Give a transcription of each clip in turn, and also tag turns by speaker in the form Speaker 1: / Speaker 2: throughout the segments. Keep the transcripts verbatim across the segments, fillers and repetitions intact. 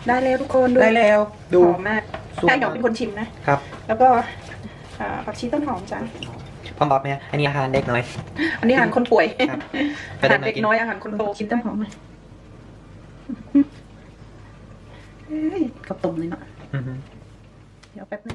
Speaker 1: ได้แล้วทุกคนดู
Speaker 2: ได้แล้วดู
Speaker 1: หอมมากแค่หยอกเป็นคนชิมนะครับแล้วก็ผักชีต้นหอมจ้ะ
Speaker 2: พร้อมบอกไหมอันนี้อาหารเด็กน้อย
Speaker 1: อันนี้อาหารคนป่วย
Speaker 2: ครับ
Speaker 1: อาหารเด็กน้อยอาหารคนโตชิมต้นหอมไหมเฮ้ยข้าวต้มเลยเนาะ
Speaker 2: อือฮึ
Speaker 1: เดี๋ยวแป๊บนึง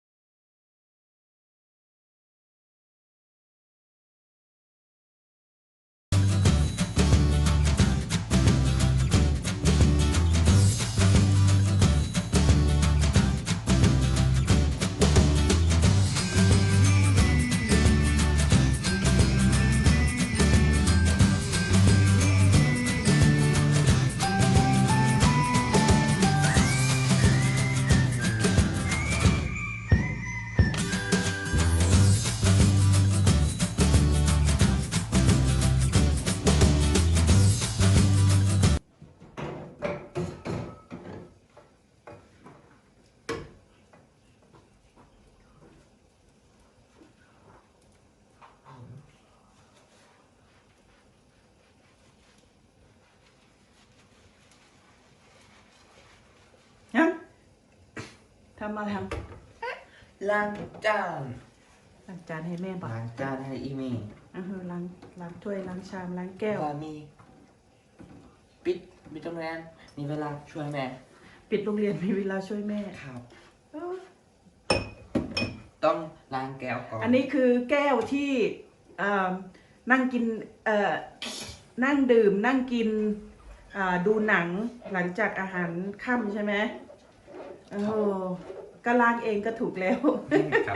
Speaker 1: ยังทำอะไรทำ
Speaker 2: ล้างจาน
Speaker 1: ล้างจานให้แม่บอก
Speaker 2: ล้างจานให้อีเมย์
Speaker 1: อ่าฮะล้างล้างถ้วยล้างชามล้างแก้ว
Speaker 2: ว่ามีปิดปิดโรงแรมมีเวลาช่วยแม่
Speaker 1: ปิดโรงเรียนมีเวลาช่วยแม่
Speaker 2: ครับ
Speaker 1: เอ้า
Speaker 2: ต้องล้างแก้วก่อน
Speaker 1: อันนี้คือแก้วที่เอ่อนั่งกินเอ่อนั่งดื่มนั่งกินอ่าดูหนังหลังจากอาหารค่ำใช่ไหมโอ้โหก็ล้างเองก็ถูกแล้ว
Speaker 2: ครับ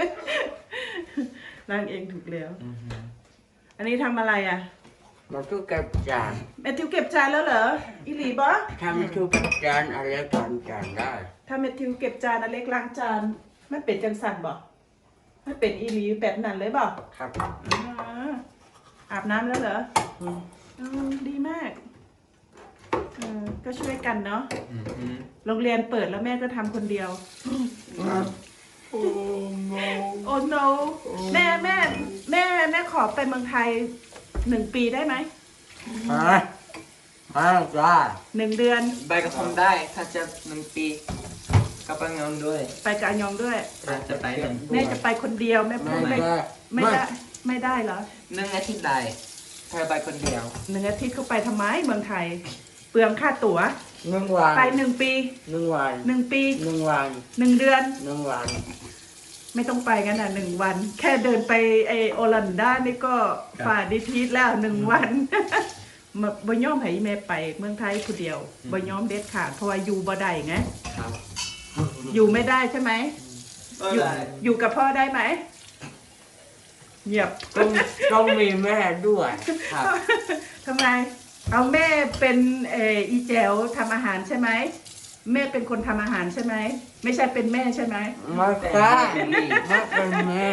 Speaker 1: ล้างเองถูกแล้ว
Speaker 2: อือฮึ
Speaker 1: อันนี้ทำอะไรอ่ะ
Speaker 3: มาทุกกับจาน
Speaker 1: แมทธิวเก็บจานแล้วเหรออีหลีบอ
Speaker 3: ถ้าไม่ทุกกับจานอะไรก่อนจานได้
Speaker 1: ถ้าแมทธิวเก็บจานอเล็กล้างจานไม่เป็นจังสันบอไม่เป็นอีหลีแบบนั้นเลยบอ
Speaker 3: ครับ
Speaker 1: อ่าอาบน้ำแล้วเหรอ
Speaker 3: อืม
Speaker 1: อืมดีมากเออก็ช่วยกันเนาะ
Speaker 2: อือฮึ
Speaker 1: โรงเรียนเปิดแล้วแม่ก็ทำคนเดียว
Speaker 3: โอ้โห
Speaker 1: โอ้ no แม่แม่แม่แม่ขอไปเมืองไทยหนึ่งปีได้ไหม
Speaker 3: ฮะมาจ้า
Speaker 1: หนึ่งเดือน
Speaker 2: ใบกระผมได้ถ้าจะหนึ่งปีกับปังยองด้วย
Speaker 1: ไปกับอันยองด้วย
Speaker 2: ถ้าจะไปหนึ่ง
Speaker 1: แม่จะไปคนเดียวแม่พู
Speaker 3: ไม่
Speaker 1: ดไม่
Speaker 3: ได้
Speaker 1: ไม่ได้ไม่ได้เหรอ
Speaker 2: หนึ่งอาทิตย์ได้ถ้าไปคนเดียว
Speaker 1: หนึ่งอาทิตย์เขาไปทำไมเมืองไทย เปลืองค่าตั๋ว
Speaker 3: หนึ่งวัน
Speaker 1: ไปหนึ่งปี
Speaker 3: หนึ่งวัน
Speaker 1: หนึ่งปี
Speaker 3: หนึ่งวัน
Speaker 1: หนึ่งเดือน
Speaker 3: หนึ่งวัน
Speaker 1: ไม่ต้องไปกันอ่ะหนึ่งวัน แค่เดินไปไอโอลันดานี่ก็ฝ่าดิทีสแล้วหนึ่งวัน มาบ่ยอมให้แม่ไปเมืองไทยคนเดียวบ่ยอมเด็ดขาดเพราะว่าอยู่บ่ได้ไง
Speaker 2: ครับ
Speaker 1: อยู่ไม่ได้ใช่ไหม
Speaker 2: ก็
Speaker 1: อยู่
Speaker 2: ได้
Speaker 1: อยู่กับพ่อได้ไหมเงียบ
Speaker 3: ต้องต้องมีแม่ด้วย
Speaker 2: ครับ
Speaker 1: ทำไม เอาแม่เป็นเอออีแจวทำอาหารใช่ไหมแม่เป็นคนทำอาหารใช่ไหมไม่ใช่เป็นแม่ใช่ไหม
Speaker 3: ไม่ใช่ไม่เป็นแม่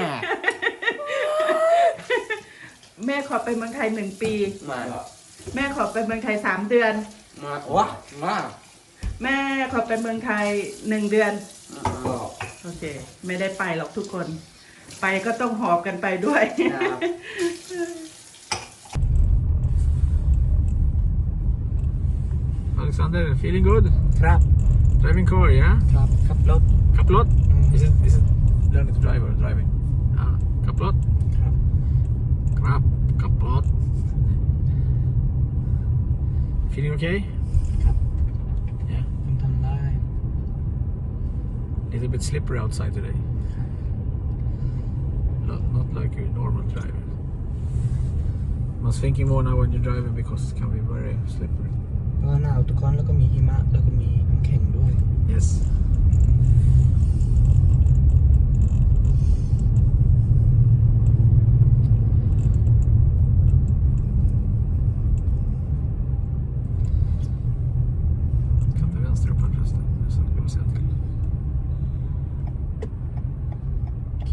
Speaker 1: แม่ขอไปเมืองไทยหนึ่งปี
Speaker 3: มา
Speaker 1: แม่ขอไปเมืองไทยสามเดือน
Speaker 3: มาวะมา
Speaker 1: แม่ขอไปเมืองไทยหนึ่งเดือน
Speaker 2: ก็
Speaker 1: โอเค ไม่ได้ไปหรอกทุกคน ไปก็ต้องหอบกันไปด้วย
Speaker 2: ครับ
Speaker 4: Alexander, feeling good?
Speaker 3: ครับ
Speaker 4: Driving car, yeah?
Speaker 3: ครับขับรถ
Speaker 4: Kaplot? Is it, is it learning to drive or driving? Ah, kaplot?
Speaker 3: ครับ
Speaker 4: Krap, kaplot. Feeling okay?
Speaker 3: ครับ
Speaker 4: Yeah.
Speaker 3: ผมทำได้
Speaker 4: Little bit slippery outside today. Not, not like your normal driving. I was thinking more now when you're driving because it can be very slippery.
Speaker 3: เพราะว่าหนาวทุกคนแล้วก็มีหิมะแล้วก็มีน้ำแข็งด้วย
Speaker 4: Yes. Kan till vänster upp här förresten. Så ska vi se till.
Speaker 3: โอเค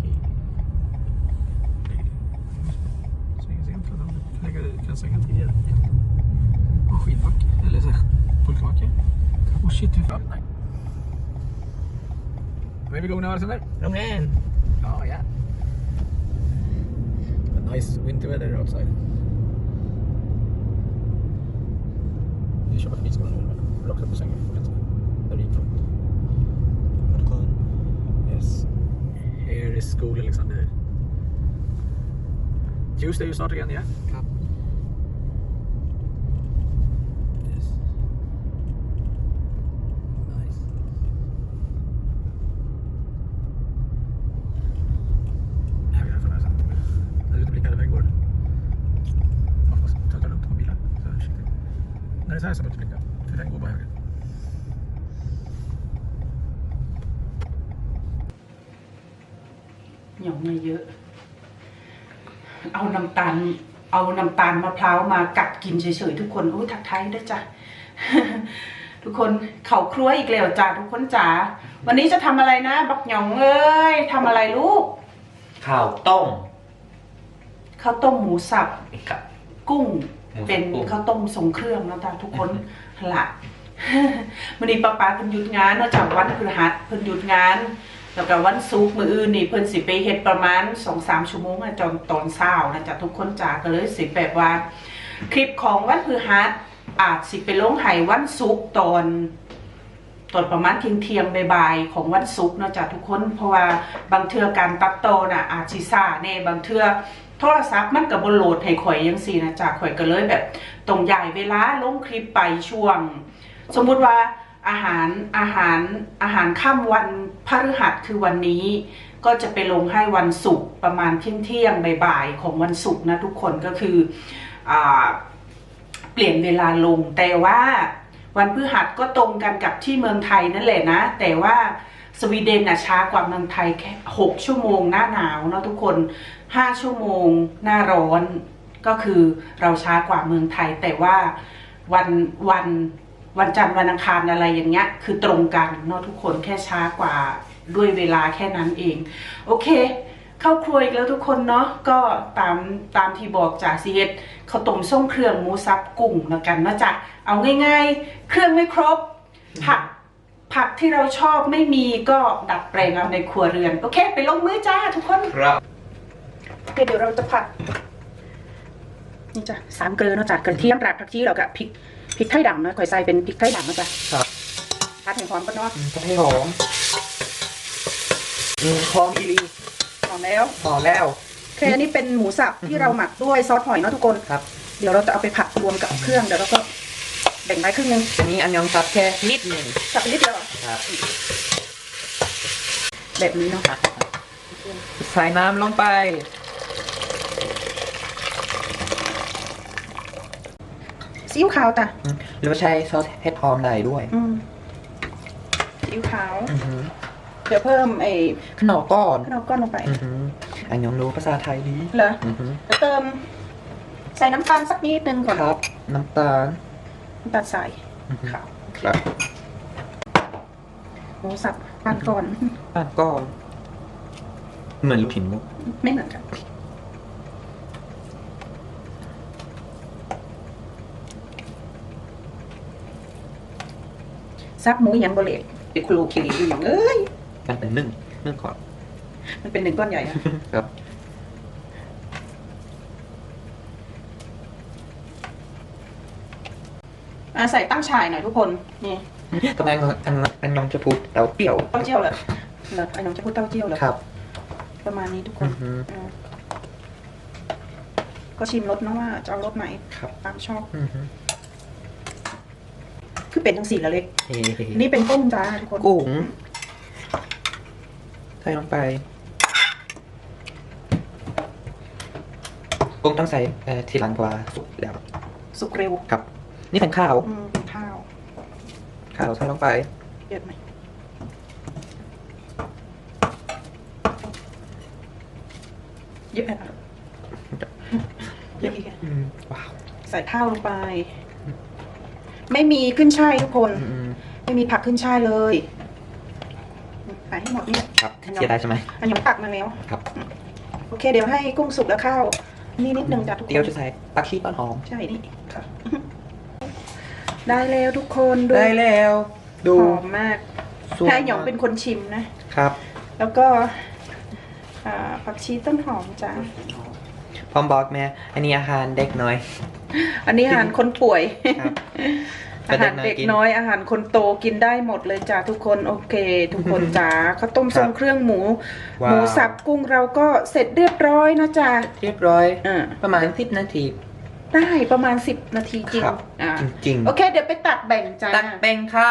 Speaker 4: Svänger sent för dem. Lägger, kan svänga tidigare. Och skidbacke. Eller så här, pulkabacke. Oh shit, vi får öppna. Where are we going now, Alexander?
Speaker 3: โรงแรม
Speaker 4: Oh yeah. A nice winter weather outside. Vi kör på skridskor nu. Eller också på sängen. skola liksom. Det. Just det är ju snart igen, ja.
Speaker 3: ครับ Yes. Nice.
Speaker 4: Jag vill för nästan. När det blickade iväg går. Hoppas ta det lugnt på bilen. Så försiktigt. När det är så här så behöver du blicka. För den går bara höger.
Speaker 1: หยองมาเยอะ เอาน้ำตาล เอาน้ำตาลมะพร้าวมากัดกินเฉยๆทุกคนโอ้ยทักทายด้วยจ้ะ ทุกคนเข่าครัวอีกแล้วจ้ะทุกคนจ๋า วันนี้จะทำอะไรนะ บักหยองเอ้ยทำอะไรลูก
Speaker 2: ข้าวต้ม
Speaker 1: ข้าวต้มหมูสับ
Speaker 2: กับ
Speaker 1: กุ้ง
Speaker 2: หมูสับ
Speaker 1: เป็น
Speaker 2: กุ้ง
Speaker 1: ข้าวต้มทรงเครื่องแล้วจ้ะทุกคนหละ วันนี้ป้าป้าเพิ่นหยุดงานนอกจากวันพฤหัสเพิ่นหยุดงานแล้วก็วันศุกร์มื้ออื่นนี่เพิ่นสิไปเฮ็ดประมาณ สองถึงสาม ชั่วโมงอะจนตอนเช้านะจ๊ะทุกคนจ๋าก็เลยสิแบบว่า คลิปของวันพฤหัสอาจสิไปลงให้วันศุกร์ตอนตอนประมาณเที่ยงเที่ยงบ่ายๆของวันศุกร์เนาะจ๊ะทุกคนเพราะว่าบางเทื่อการตัดต่อน่ะอาจสิซ่าแน่บางเทื่อโทรศัพท์มันก็บ่โหลดให้ข่อยจังซี่นะจ๊ะข่อยก็เลยแบบต้องย้ายเวลาลงคลิปไปช่วง สมมุติว่าอาหารอาหารอาหารค่ำวันพฤหัสคือวันนี้ ก็จะไปลงให้วันศุกร์ประมาณเที่ยงเที่ยงบ่ายๆของวันศุกร์นะทุกคนก็คืออ่าเปลี่ยนเวลาลงแต่ว่าวันพฤหัสก็ตรงกันกับที่เมืองไทยนั่นแหละนะแต่ว่าสวีเดนน่ะช้ากว่าเมืองไทยแค่หกชั่วโมงหน้าหนาวเนาะทุกคนห้าชั่วโมงหน้าร้อนก็คือเราช้ากว่าเมืองไทยแต่ว่าวันวันวันจันทร์วันอังคารอะไรอย่างเงี้ยคือตรงกันเนาะทุกคนแค่ช้ากว่าด้วยเวลาแค่นั้นเองโอเคเข้าครัวอีกแล้วทุกคนเนาะก็ตามตามที่บอกจากซีเอสข้าวต้มส้มเครื่องหมูสับกุ้งแล้วกันเนาะจ๊ะเอาง่ายๆเครื่องไม่ครบผักผักที่เราชอบไม่มีก็ดัดแปลงเอาในครัวเรือนโอเคไปลงมือจ้าทุกคน
Speaker 2: ครับ
Speaker 1: โอเคเดี๋ยวเราจะผัดนี่จ้ะสามเกลือเนาะจ้ะกระเทียมรากผักชีแล้วก็พริกพริกไทยดำนะข่อยใส่เป็นพริกไทยดำนะจ๊ะ
Speaker 3: ครับ
Speaker 1: ผัดให้หอมก่อนเนาะ
Speaker 3: ก็ให้หอมอืมหอมอีหลี
Speaker 1: หอมแล้ว
Speaker 3: หอมแล้ว
Speaker 1: โอเคอันนี้เป็นหมูสับที่เราหมักด้วยซอสหอยเนาะทุกคน
Speaker 3: ครับ
Speaker 1: เดี๋ยวเราจะเอาไปผัดรวมกับเครื่องเดี๋ยวเราก็แบ่งไว้ครึ่งนึง
Speaker 3: อันนี้อันยองซับแค่นิดหนึ่ง
Speaker 1: สับไปนิดเดียวเหรอ
Speaker 3: ครับ
Speaker 1: แบบนี้เนาะ
Speaker 3: ใส่น้ำลงไป
Speaker 1: ซีอิ๊วขาวจ้ะ
Speaker 3: อืมหรือว่าใช้ซอสเห็ดหอมได้ด้วย
Speaker 1: อืมซีอิ๊วขาว
Speaker 3: อือหือ
Speaker 1: เดี๋ยวเพิ่มไอ้
Speaker 3: ขนมก้อน
Speaker 1: ข้าวก้อนลงไป
Speaker 3: อือหืออันยองรู้ภาษาไทยดี
Speaker 1: เหรอ
Speaker 3: อือหือ
Speaker 1: เดี๋ยวเติมใส่น้ำตาลสักนิดนึงก่อน
Speaker 3: ครับ น้ำตาล
Speaker 1: น้ำตาลใส่
Speaker 3: อือหือ
Speaker 1: ขาว
Speaker 3: ครับ
Speaker 1: หมูสับปั้นก่อน
Speaker 3: ปั้นก้อน เหมือนลูกชิ้นมุก
Speaker 1: ไม่เหมือนกันซับหมูยังบะเล็กเป็นครูคิริอยู่อย่างเอ้ย
Speaker 3: กันเป็นนึ่งนึ่งก่อน
Speaker 1: มันเป็นหนึ่งก้อนใหญ่อะ
Speaker 3: ครับ
Speaker 1: อ่ะใส่ตั้งฉ่ายหน่อยทุกคนนี่
Speaker 3: ตอนแรกอันอันยองจะพูดเราเปรี้ยว
Speaker 1: เต้าเจี้ยวเลยเหรอไอ้น้องจะพูดเต้าเจี้ยวเหรอ
Speaker 3: ครับ
Speaker 1: ประมาณนี้ทุกคน
Speaker 3: อือฮึ
Speaker 1: อ่าก็ชิมรสนะว่าจะเอารสไหน
Speaker 3: ครับ
Speaker 1: ตามชอบ
Speaker 3: อือหือ
Speaker 1: คือเป็นทั้งสี่ละเล็ก
Speaker 3: เฮ้
Speaker 1: นี่เป็นกุ้งจ้าทุกคน
Speaker 3: กุ้งใส่ลงไป กุ้งต้องใส่เอ่อทีหลังกว่าสุกแล้ว
Speaker 1: สุกเร็ว
Speaker 3: ครับ นี่เป็นข้าว
Speaker 1: อืมเป็นข้าว
Speaker 3: ข้าวใส่ลงไป
Speaker 1: เยอะไหมเยอะไหมคะเยอะอีกอะ
Speaker 3: อืมว้าว
Speaker 1: ใส่ข้าวลงไป ไม่มีขึ้นช่ายทุกคน
Speaker 3: อืม
Speaker 1: ไม่มีผักขึ้นช่ายเลยใส่ให้หมดนี่
Speaker 3: ครับเสียดายใช่ไหม
Speaker 1: อันยองตักมาแล้ว
Speaker 3: ครับ
Speaker 1: โอเค เดี๋ยวให้กุ้งสุกแล้วข้าวนี่นิดนึงจ้ะทุกคน
Speaker 3: เดี๋ยวจะใส่ปักชีต้นหอม
Speaker 1: ใช่นี่ค่ะ ได้แล้วทุกคนดู
Speaker 3: ได้แล้ว ดู
Speaker 1: หอมมาก
Speaker 3: สวย
Speaker 1: ให้หยองเป็นคนชิมนะ
Speaker 3: ครับ
Speaker 1: แล้วก็อ่าผักชีต้นหอมจ้า
Speaker 3: พร้อมบอกแม่อันนี้อาหารเด็กน้อย
Speaker 1: อันนี้อาหารคนป่วย
Speaker 3: ครับ
Speaker 1: อาหารเด็กน้อยอาหารคนโตกินได้หมดเลยจ้าทุกคนโอเค ทุกคนจ้าข้าวต้มทรงเครื่องหมู หมูสับกุ้งเราก็เสร็จเรียบร้อยนะจ้า
Speaker 3: เรียบร้อย
Speaker 1: อ่า
Speaker 3: ประมาณสิบนาที
Speaker 1: ได้ประมาณสิบนาทีจริง
Speaker 3: ครับ
Speaker 1: อ่า
Speaker 3: จริงๆ
Speaker 1: โอเค เดี๋ยวไปตัดแบ่งจ้า
Speaker 3: ตักแป้งครับ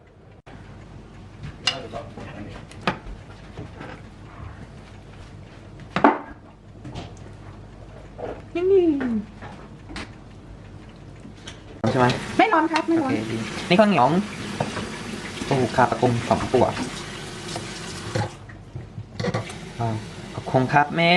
Speaker 3: ใช่ไหม
Speaker 1: ไม่ร้อนครับไม่
Speaker 3: โอ
Speaker 1: ร้อน
Speaker 3: เคดีนี่ข้าวเหนียวปูคาปะกุมสองตัวว้าวขอบคุณครับแม่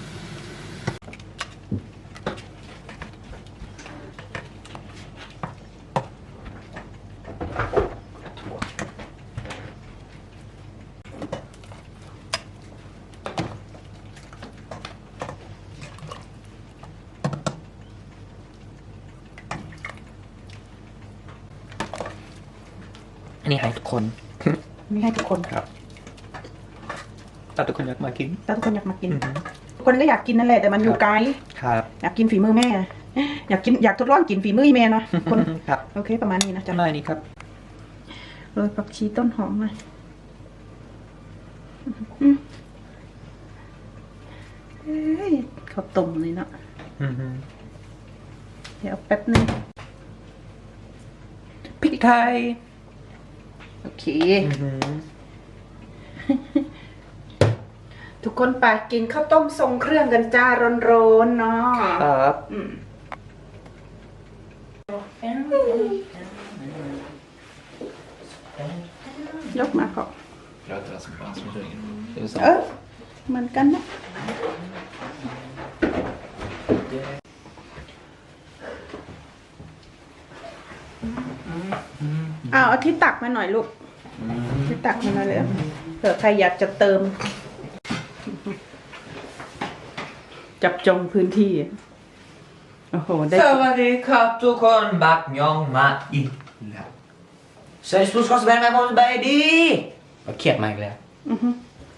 Speaker 3: อันนี้ให้ทุกคน
Speaker 1: ไม่ให้ทุกคน
Speaker 3: ครับถ้าทุกคนอยากมากิน
Speaker 1: ถ้าทุกคนอยากมากิน
Speaker 3: อือหือ
Speaker 1: ทุกคนก็อยากกินนั่นแหละแต่มันอยู่ไกล
Speaker 3: ครับ
Speaker 1: อยากกินฝีมือแม่ อยากกินอยากทดลองกินฝีมือแม่เนาะคน
Speaker 3: ครับ
Speaker 1: โอเคประมาณนี้นะจ๊ะ
Speaker 3: จำได้นี่ครับ
Speaker 1: โรยผักชีต้นหอมมาอืมเอ้ยข้าวต้มเลยเนาะ
Speaker 3: อือหือ
Speaker 1: เดี๋ยวแป๊บนึงพริก
Speaker 3: ไทย
Speaker 1: โอเค
Speaker 3: อือหือ
Speaker 1: ทุกคนไปกินข้าวต้มทรงเครื่องกันจ้าร้อนๆเนาะ
Speaker 3: ครับ
Speaker 1: อืมยกมาก่อน
Speaker 4: Låter det som fan som ringer.
Speaker 1: เออเหมือนกันนะเอาเอาที่ตักมาหน่อยลูกที่ตักมาหน่อยเลยเผื่อใครอยากจะเติม จับจองพื้นที่ โอ้โห ได้
Speaker 3: สวัสดีครับทุกคนบักยองมาอีกแล้วสวัสดีทุกคนสบายไหมผมสบายดีมาเขียดมาอีกแล้ว
Speaker 1: อือฮึ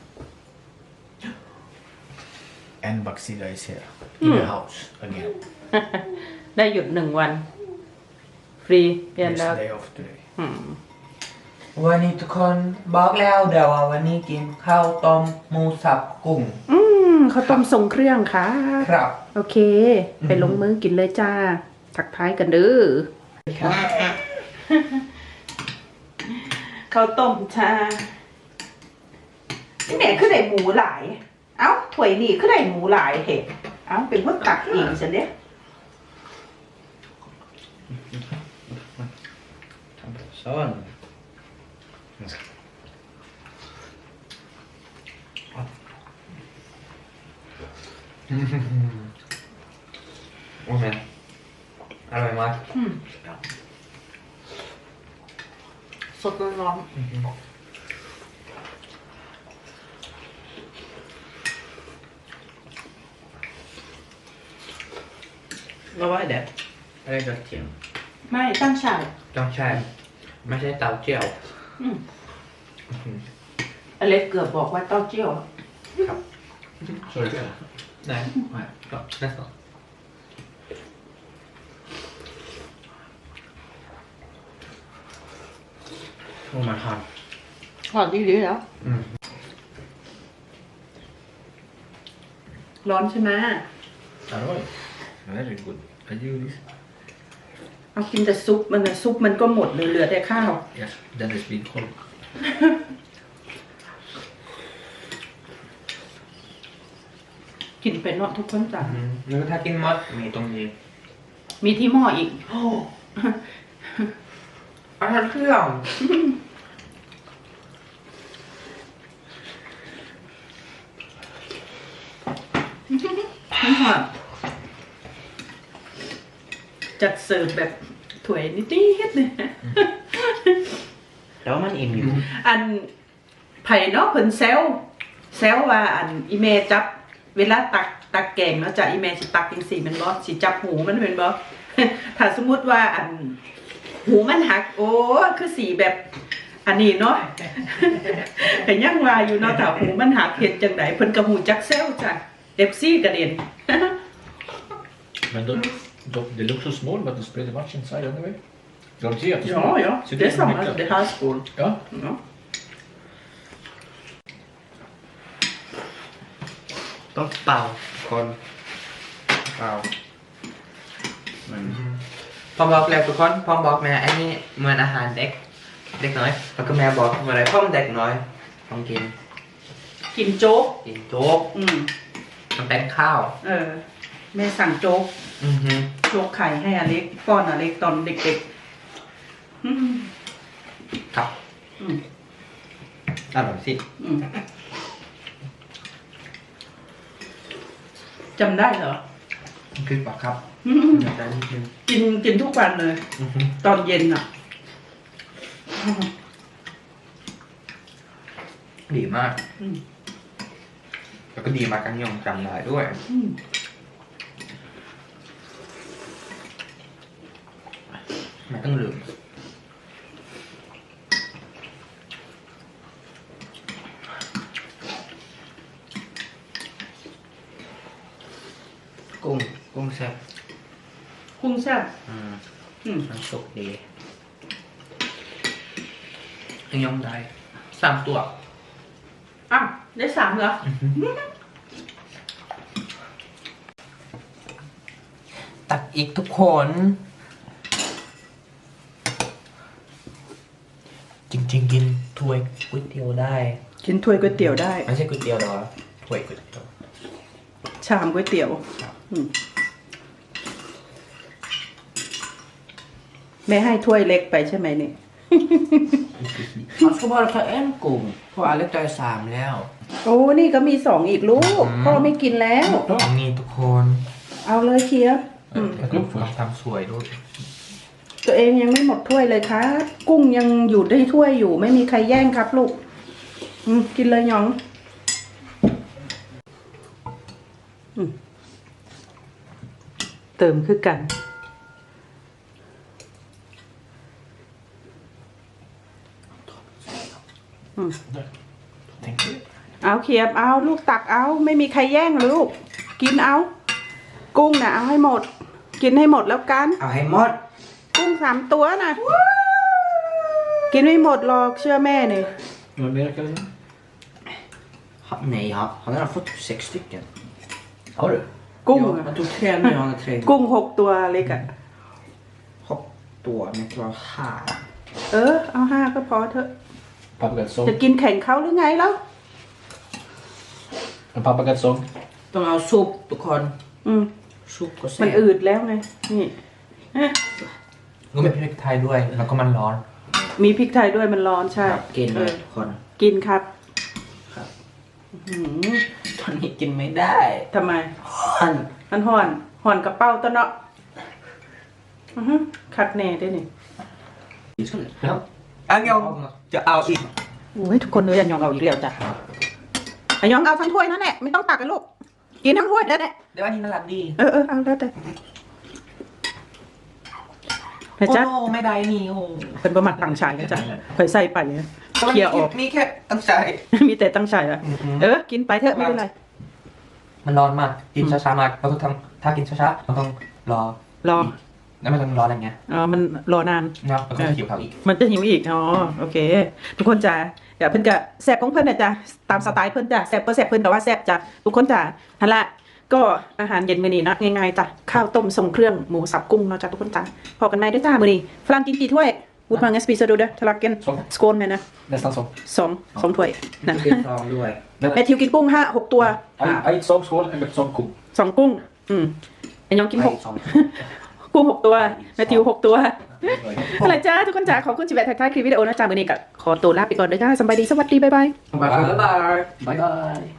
Speaker 4: En baksida is here. In the house again.
Speaker 1: ได้หยุดหนึ่งวัน ฟรีเรียน
Speaker 4: Yes,
Speaker 1: แล้ว
Speaker 4: day off today.
Speaker 1: อืม
Speaker 3: วันนี้ทุกคนบอกแล้วเดี๋ยวว่าวันนี้กินข้าวต้มหมูสับกุ้ง
Speaker 1: อืมข้าวต้มทรงเครื่องค่ะ
Speaker 3: ครับ
Speaker 1: โอเค ไปลงมือกินเลยจ้า ทักทายกันเด้อ
Speaker 3: ครับ
Speaker 1: ข้าวต้มชานี่แม่คือได้หมูหลาย เอ้าถ้วยนี่คือได้หมูหลายเหตุเอ้าเป็นคนตักเองฉันเด้
Speaker 2: Sån.
Speaker 3: Åh men. Arroy mak.
Speaker 1: อืมสดร้อน
Speaker 2: Vad var det? Är det gott igen?
Speaker 1: ๆไม่ตั้งฉาก
Speaker 3: ต้องใช่ไม่ใช่เตาเจียว
Speaker 1: อืมอเล็กเกือบบอกว่าเต้าเจี้ยว
Speaker 4: Så är det fel?
Speaker 3: Nej.
Speaker 4: Nej.
Speaker 3: Ja, nästan.
Speaker 2: Oh my god.
Speaker 1: ถอดดีๆแล้ว
Speaker 3: Mm.
Speaker 1: ร้อนใช่ไหม
Speaker 4: Arroy. Very good. I do this.
Speaker 1: เอากินแต่ซุปมันนะซุปมันก็หมดเลยเหลือแต่ข้าว
Speaker 4: Yes, then it's been cold.
Speaker 1: กินเป็นเนาะทุกคนจ้ะ
Speaker 3: Mm. หรือถ้ากินมดมีตรงนี้
Speaker 1: มีที่หม้ออีก
Speaker 3: อาหารเครื่อง
Speaker 1: ไม่หอดจัดเสิร์ฟแบบถ้วยนิดๆเลย
Speaker 2: Det var man in ju.
Speaker 1: อันไผ่เนาะเพิ่นแซวแซวว่าอันอีเมจับ เวลาตักตักแกงเนาะจ้ะอีเมสิตักจังซี่แม่นบ่สิจับหูมันแม่นบ่ ถ้าสมมุติว่าอันหูมันหัก โอ้คือสีแบบ อันนี้เนาะ แต่ยังว่าอยู่เนาะถ้าหูมันหักเฮ็ดจังไดเพิ่นก็ฮู้จักแซวจ้ะ เอฟ ซี กระเด็น
Speaker 4: Men då, då, they look so small, but there's pretty much inside anyway. Ska de se att du
Speaker 1: Ja, ja.
Speaker 4: Så
Speaker 1: Det är samma.
Speaker 4: mycket.
Speaker 1: Det här skål.
Speaker 4: Ja.
Speaker 1: Ja.
Speaker 2: ต้องเป่าคนเป่า
Speaker 4: Men
Speaker 3: พ่อบอกแล้วทุกคนพ่อบอกแม่ไอ้นี่เหมือนอาหารเด็ก เด็กน้อย แล้วก็แม่บอกว่าอะไรพ่อมันเด็กน้อยต้องกิน
Speaker 1: กินโจ๊ก
Speaker 3: กินโจ๊ก
Speaker 1: อืม
Speaker 3: มันเป็นข้าว
Speaker 1: เออ แม่สั่งโจ๊ก
Speaker 3: อือฮึ
Speaker 1: โจ๊กไข่ให้อเล็กป้อนอเล็กตอนเด็กๆอืม
Speaker 3: ครับ
Speaker 1: อืม
Speaker 3: อร่อยสิ
Speaker 1: อืมจำได้เหรอ
Speaker 3: คือปะครับ
Speaker 1: อืม
Speaker 3: อยากได้นิดนึง
Speaker 1: กินกินทุกวันเลย
Speaker 3: อือฮึ
Speaker 1: ตอนเย็นอ่ะ
Speaker 3: ดีมาก
Speaker 1: อืม
Speaker 3: แล้วก็ดีมากกันยองจำได้ด้วย
Speaker 1: อืม
Speaker 3: ไม่ต้องลืม กุ้ง กุ้งแซ่บ
Speaker 1: กุ้งแซ่บ
Speaker 3: อืม
Speaker 1: อืม
Speaker 3: น้ำซุปดียังยองได้สามตัว
Speaker 1: อ้าวได้สามเหรอ
Speaker 3: ตักอีกทุกคน จริงๆ กินถ้วยก๋วยเตี๋ยวได้
Speaker 1: กินถ้วยก๋วยเตี๋ยวได้
Speaker 3: ไม่ใช่ก๋วยเตี๋ยวหรอถ้วยก๋วยเตี๋ยว
Speaker 1: ชามก๋วยเตี๋ยว
Speaker 3: ครับ
Speaker 1: อืมแม่ให้ถ้วยเล็กไปใช่ไหมเนี่ย
Speaker 3: เขาก็บอกเขาเอ็นกุ้งเพราะอเล็กได้สามแล้ว
Speaker 1: โอ้นี่ก็มีสองอีกลูก
Speaker 3: อืม
Speaker 1: พ่อไม่กินแล้ว
Speaker 3: อันนี้ทุกคน
Speaker 1: เอาเลยเคียร์อืม
Speaker 3: แล้วก็ลองทำสวยด้วย
Speaker 1: ตัวเองยังไม่หมดถ้วยเลยครับ กุ้งยังอยู่ในถ้วยอยู่ ไม่มีใครแย่งครับลูก อืมกินเลยหยองอืมเติมคือกัน อืม
Speaker 4: tänk det.
Speaker 1: เอาเคียบเอาลูกตักเอา ไม่มีใครแย่งลูก กินเอา กุ้งนะเอาให้หมด กินให้หมดแล้วกัน
Speaker 3: เอาให้หมด
Speaker 1: กุ้งสามตัวนะกินไม่หมดหรอกเชื่อแม่เนี่ย
Speaker 4: Vad mer kan du?
Speaker 2: Nej, han, han har fått sex stycken.
Speaker 4: Har du?
Speaker 1: กุ้ง
Speaker 2: Ja,
Speaker 1: อะ
Speaker 2: han tog tre nu, han har tre.
Speaker 1: กุ้งหกตัวเล็กอะ
Speaker 2: Hopp då, men jag tror här.
Speaker 1: เออ เอาห้าก็พอเถอะ
Speaker 4: Paprikatsång.
Speaker 1: จะกินแข่งเขาหรือไงแล้ว
Speaker 4: En paprikatsång.
Speaker 2: De har sop, du kan
Speaker 1: อืม
Speaker 2: sop och
Speaker 1: มัน
Speaker 2: se.
Speaker 1: อืดแล้วไง นี่เอ๊ะ
Speaker 3: ก็มีพริกไทยด้วย แล้วก็มันร้อน
Speaker 1: มีพริกไทยด้วยมันร้อนใช่
Speaker 2: กิน
Speaker 1: เอ
Speaker 2: เล
Speaker 1: อย
Speaker 2: คน
Speaker 1: กินครับ
Speaker 2: ครับ
Speaker 1: อื้อหือ
Speaker 2: ตอนนี้กินไม่ได้
Speaker 1: ทำไม
Speaker 2: อัน
Speaker 1: มันห่อนห่อนกระเป๋าตัวเนาะอือฮึคักแน่ด้วยนี่
Speaker 3: แล้วอันยองจะเอาอีก
Speaker 1: โอ้ยทุกคนเลยอันยองเอาอีกแล้วจ้ะอันยองเอาทั้งถ้วยนั่นแหละไม่ต้องตักกันลูก กินทั้งถ้วยแล้วแหละ
Speaker 3: เดี๋ยวอันนี้น่ารักดี
Speaker 1: เออเออเอาแล้วแต่แม่
Speaker 3: โอ้
Speaker 1: จ๊ะ
Speaker 3: โหไม่ได้นี่โอ้โห
Speaker 1: เป็นประมาทต่างชายนะจ๊ะคอยใส่ไปเนี่ยเคลียร์ออก
Speaker 3: นี่แค่ตั้งใจ
Speaker 1: มีแต่ตั้งชายอะ
Speaker 3: อือฮึ
Speaker 1: เออ กินไปเถอะไม่เป็นไร
Speaker 3: มันร้อนมาก กินช้าๆมากเราต้องทำถ้ากินช้าๆเราต้องรอ
Speaker 1: รอ
Speaker 3: แล้วมันต้องร้อนอะไรเงี้ย
Speaker 1: อ๋อมันรอนาน
Speaker 3: เนาะแล้วก็หิวเขาอีก
Speaker 1: มันจะหิวอีก อ๋อ โอเค ทุกคนจ้ะอย่าเพิ่นกะแซ่บของเพิ่นนะจ๊ะ ตามสไตล์เพิ่นจ้ะแซ่บก็แซ่บเพิ่นแต่ว่าแซ่บจ้ะ ทุกคนจ้ะฮันละ ก็อาหารเย็นมื้อนี้นะง่ายๆจ้ะ ข้าวต้มทรงเครื่องหมูสับกุ้งเนาะจ้ะทุกคนจ้ะพอกันไหมด้วยจ้ามื้อนี้ฝรั่งกินกี่ถ้วยวุฒิมังเอสปีซาดูเด้อทะลักกันสโกนไหมนะ
Speaker 4: Nästan som.
Speaker 1: สองสองถ้วยนะ
Speaker 2: กินซองด้วย
Speaker 1: แมทธิวกินกุ้งห้าหกตัว
Speaker 4: En, en sån skål, en sån ko.
Speaker 1: สองกุ้ง อืมไอ้น้องกินหก
Speaker 2: ซอง
Speaker 1: กุ้งหกตัวแมทธิวหกตัว อะไรจ้าทุกคนจ้าขอบคุณจิแบะทักทายคลิปวิดีโอนะจ้ามื้อนี้ก็ขอตัวลาไปก่อนเด้อจ้าสบายดีสวัสดีบ๊ายบาย
Speaker 2: บ๊ายบาย
Speaker 4: Bye bye.